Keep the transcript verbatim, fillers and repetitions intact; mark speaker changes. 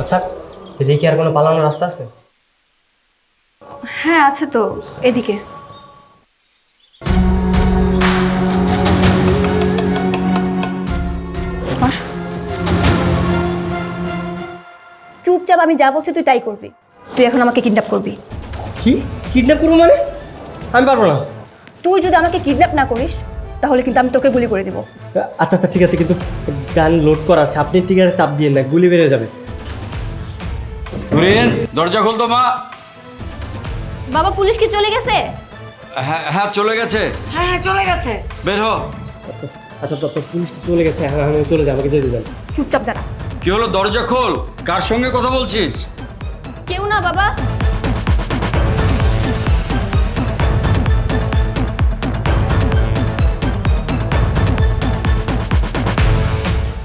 Speaker 1: আচ্ছা, এদিকে আর কোনো পালানোর রাস্তা আছে?
Speaker 2: হ্যাঁ আছে তো, এদিকে। বস। চুপচাপ আমি যা বলছি তুই তাই করবি। তুই এখন আমাকে কিডন্যাপ করবি।
Speaker 1: কি কিডন্যাপ করবো মানে? আমি পারবো না।
Speaker 2: তুই যদি আমাকে কিডন্যাপ না করিস তাহলে কিন্তু আমি তোকে গুলি করে দেবো।
Speaker 1: আচ্ছা আচ্ছা ঠিক আছে, কিন্তু গান লোড করা আছে, আপনি টিকারে চাপ দিয়ে না, গুলি বেড়ে যাবে।
Speaker 3: নুরিন, দরজা খুলতো মা।
Speaker 2: বাবা পুলিশ কি চলে গেছে?
Speaker 3: হ্যাঁ হ্যাঁ চলে গেছে।
Speaker 4: হ্যাঁ হ্যাঁ চলে গেছে।
Speaker 3: বের হ।
Speaker 1: আচ্ছা তো পুলিশ তো চলে গেছে, হ্যাঁ আমি চলে যাবো, আমাকে যেতে দেন।
Speaker 2: চুপচাপ দাঁড়া।
Speaker 3: কি হলো, দরজা খোল। কার সঙ্গে কথা বলছিস?
Speaker 2: কেউ না বাবা।